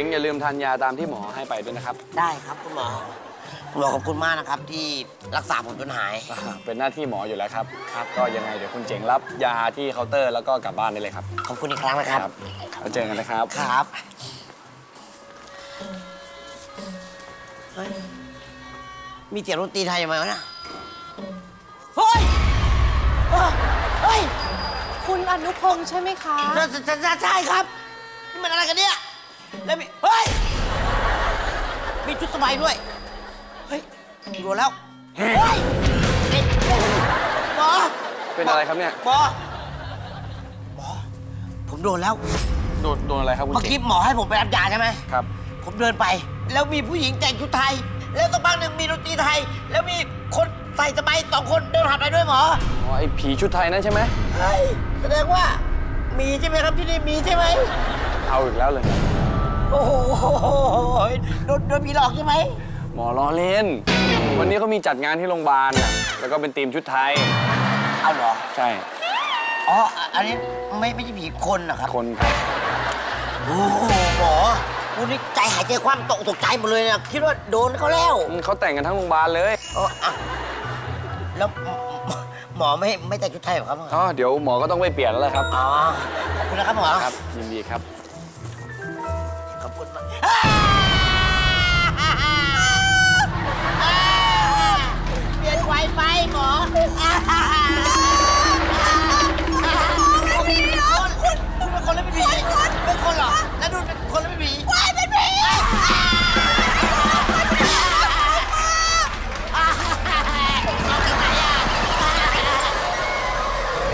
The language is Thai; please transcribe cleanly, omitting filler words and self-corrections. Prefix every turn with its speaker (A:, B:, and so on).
A: งอย่าลืมทานยาตามที่หมอให้ไปด้วยนะครับ
B: ได้ครับคุณหมอขอบคุณมากนะครับที่รักษาผมจนหาย
A: เป็นหน้าที่หมออยู่แล้วครับก็ยังไงเดี๋ยวคุณเจ๋งรับยาที่เคาน์เตอร์แล้วก็กลับบ้านได้เลยครับ
B: ขอบคุณอีกครั้งนะครับ
A: แล้วเจอกันนะครับ
B: ครับเฮ้ยมีเสียงดนตรีไทยไหมวะเนี่ยเฮ้ยเฮ้ย
C: คุณอนุพงษ์ใช่ไหมคะ
B: ใช่ครับนี่มันอะไรกันเนี่ยแล้วมีเฮ้ยมีชุดสบายด้วยเฮ้ยดูแล้วเฮ้ยหมอ
A: เป็นอะไรครับเนี่ย
B: หมอผมโดนแล้ว
A: โดนอะไรครับคุณ
B: เมื่อ
A: เจ๋
B: กี้
A: ง
B: หมอให้ผมไปรับยาใช่ไหม
A: ครับ
B: ผมเดินไป แล้วมีผู้หญิงแต่งชุดไทย แล้วสักพักหนึ่งมีดนตรีไทย แล้วมีคนใส่สบาย2 คนเดินผ่านไปด้วยหมอ
A: อ๋อไอ้ผีชุดไทยนั่นใช่ไหม
B: เฮ้ยแสดงว่ามีใช่ไหมครับที่นี่มีใช่ไหม
A: เอาอีกแล้วเลย
B: โอ้โหโดนผีหลอกใช่ไหม
A: หมอล้อเล่น วันนี้เขามีจัดงานที่โรงพยาบาลน่ะแล้วก็เป็นทีมชุดไทย
B: เอาเหรอ
A: ใช่
B: อ๋ออันนี้ไม่ใช่ผีคนนะครับ
A: คนครับ
B: โอ้โหหมอวันนี้ใจหายใจคว่ำตกใจหมดเลยนะคิดว่าโดนเขาแล้ว
A: เขาแต่งกันทั้งโรงพยาบาลเลย
B: อ๋ออ่ะแล้วหมอไม่แต่งชุดไทยเหรอครับ
A: อ๋อเดี๋ยวหมอก็ต้องไปเปลี่ยนแล้วแหละครับ
B: อ๋อขอบคุณนะครับหมอ
A: ครับยินดีครับ
B: ขอบคุณมากเปลี่ยนไวไปหมอ